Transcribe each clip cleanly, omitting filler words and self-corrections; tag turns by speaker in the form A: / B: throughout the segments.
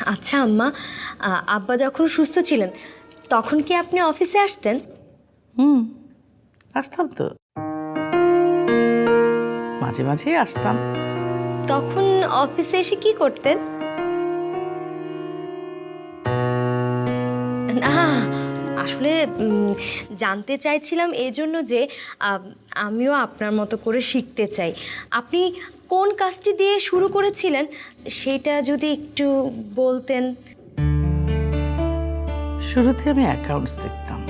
A: আচ্ছা আম্মা, আব্বা যখন সুস্থ ছিলেন তখন কি আপনি অফিসে আসতেন?
B: আসতাম তো, মাঝে মাঝে আসতাম।
A: তখন অফিসে এসে কি করতেন? না, আসলে জানতে চাইছিলাম এই জন্য যে আমিও আপনার মতো করে শিখতে চাই। আপনি কোন কাজটি দিয়ে শুরু করেছিলেন সেটা যদি একটু বলতেন।
B: শুরুতে আমি অ্যাকাউন্টস দেখতাম,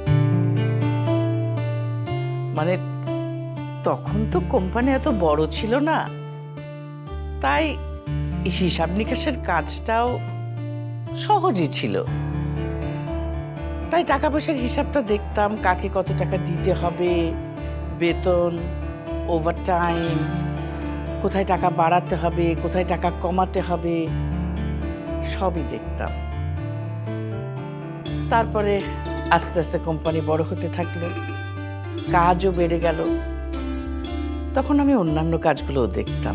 B: মানে তখন তো কোম্পানি এত বড় ছিল না, তাই হিসাব নিকাশের কাজটাও সহজই ছিল। তাই টাকা পয়সার হিসাবটা দেখতাম, কাকে কত টাকা দিতে হবে, বেতন, ওভারটাইম, কোথায় টাকা বাড়াতে হবে, কোথায় টাকা কমাতে হবে, সবই দেখতাম। তারপরে আস্তে আস্তে কোম্পানি বড় হতে থাকলো, কাজও বেড়ে গেল, তখন আমি অন্যান্য কাজগুলোও দেখতাম।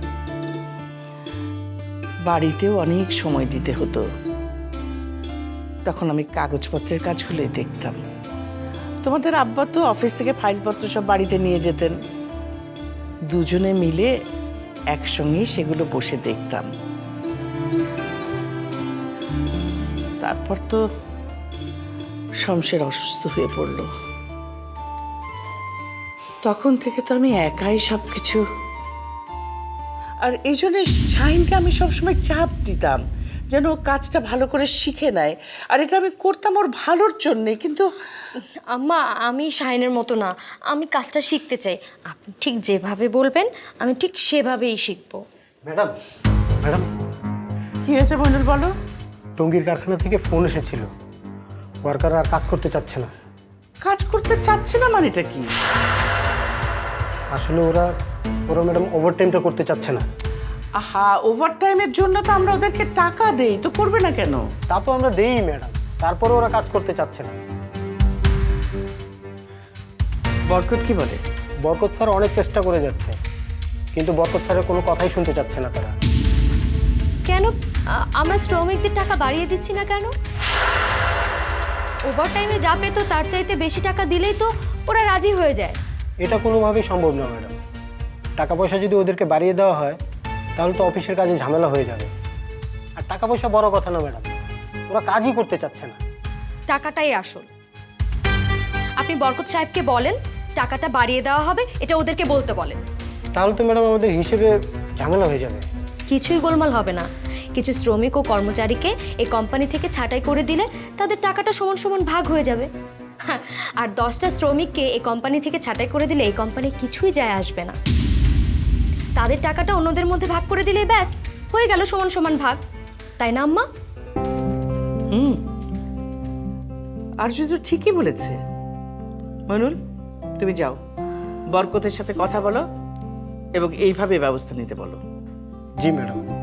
B: বাড়িতেও অনেক সময় দিতে হতো, তখন আমি কাগজপত্রের কাজগুলোই দেখতাম। তোমাদের আব্বা তো অফিস থেকে ফাইলপত্র সব বাড়িতে নিয়ে যেতেন, দুজনে মিলে একসঙ্গেই সেগুলো বসে দেখতাম। তারপর তো শমশের অসুস্থ হয়ে পড়ল, তখন থেকে তো আমি একাই সবকিছু। আর এই জন্য শাহিনকে আমি সবসময় চাপ দিতাম যেন ও কাজটা ভালো করে শিখে নেয়, আর এটা আমি করতাম ওর ভালোর জন্যে। কিন্তু
A: আম্মা, আমি শাইনের মতো না, আমি কাজটা শিখতে চাই। আপনি ঠিক যেভাবে বলবেন আমি ঠিক সেভাবেই শিখবো।
C: ম্যাডাম, ম্যাডাম,
B: কি হয়েছে মইনুল বলো?
C: টঙ্গীর কারখানা থেকে ফোন এসেছিল, ওয়ার্কার আর কাজ করতে চাচ্ছে না।
B: কাজ করতে চাচ্ছে না মানেটা কি?
C: আসলে ওরা ওরা ম্যাডাম ওভারটাইমটা করতে চাচ্ছে না।
B: আহা, ওভারটাইমের জন্য তো আমরা ওদেরকে টাকা দেই, তো করবে না কেন?
C: তা তো আমরা দেই ম্যাডাম, তারপরে ওরা কাজ করতে চাচ্ছে না।
B: বরকত কি বলে?
C: বরকত স্যার অনেক চেষ্টা করে যাচ্ছে, কিন্তু বরকত স্যারের কোনো কথাই শুনতে চাচ্ছে না তারা।
A: কেন আমরা শ্রমিকদের টাকা বাড়িয়ে দিচ্ছি না কেন? ওভারটাইমে যা পেত তার চাইতে বেশি টাকা দিলেই তো ওরা রাজি হয়ে যায়।
C: এটা কোনোভাবেই সম্ভব না ম্যাডাম। টাকা পয়সা যদি ওদেরকে বাড়িয়ে দেওয়া হয় তাহলে তো অফিসের কাজে ঝামেলা হয়ে যাবে। আর টাকা পয়সা বড় কথা না ম্যাডাম, ওরা কাজই করতে চাচ্ছে না।
A: টাকাটাই আসল। আপনি বরকত সাহেবকে বলেন টাকাটা বাড়িয়ে দেওয়া হবে, এটা ওদেরকে বলতে বলেন।
C: তাহলে তো ম্যাডাম আমাদের হিসেবে ঝামেলা হয়ে যাবে।
A: কিছুই গোলমাল হবে না। কিছু শ্রমিক ও কর্মচারীকে এই কোম্পানি থেকে ছাঁটাই করে দিলে তাদের টাকাটা সমান সমান ভাগ হয়ে যাবে। আর 10টা শ্রমিককে এই কোম্পানি থেকে ছাঁটাই করে দিলে এই কোম্পানির কিছুই যায় আসবে না। তাদের টাকাটা অন্যদের মধ্যে ভাগ করে দিলেই ব্যাস হয়ে গেল সমান সমান ভাগ, তাই না আম্মা?
B: আর শুধু ঠিকই বলেছে। মইনুল, তুমি যাও, বরকতের সাথে কথা বলো এবং এইভাবে ব্যবস্থা নিতে বলো।
C: জি ম্যাডাম।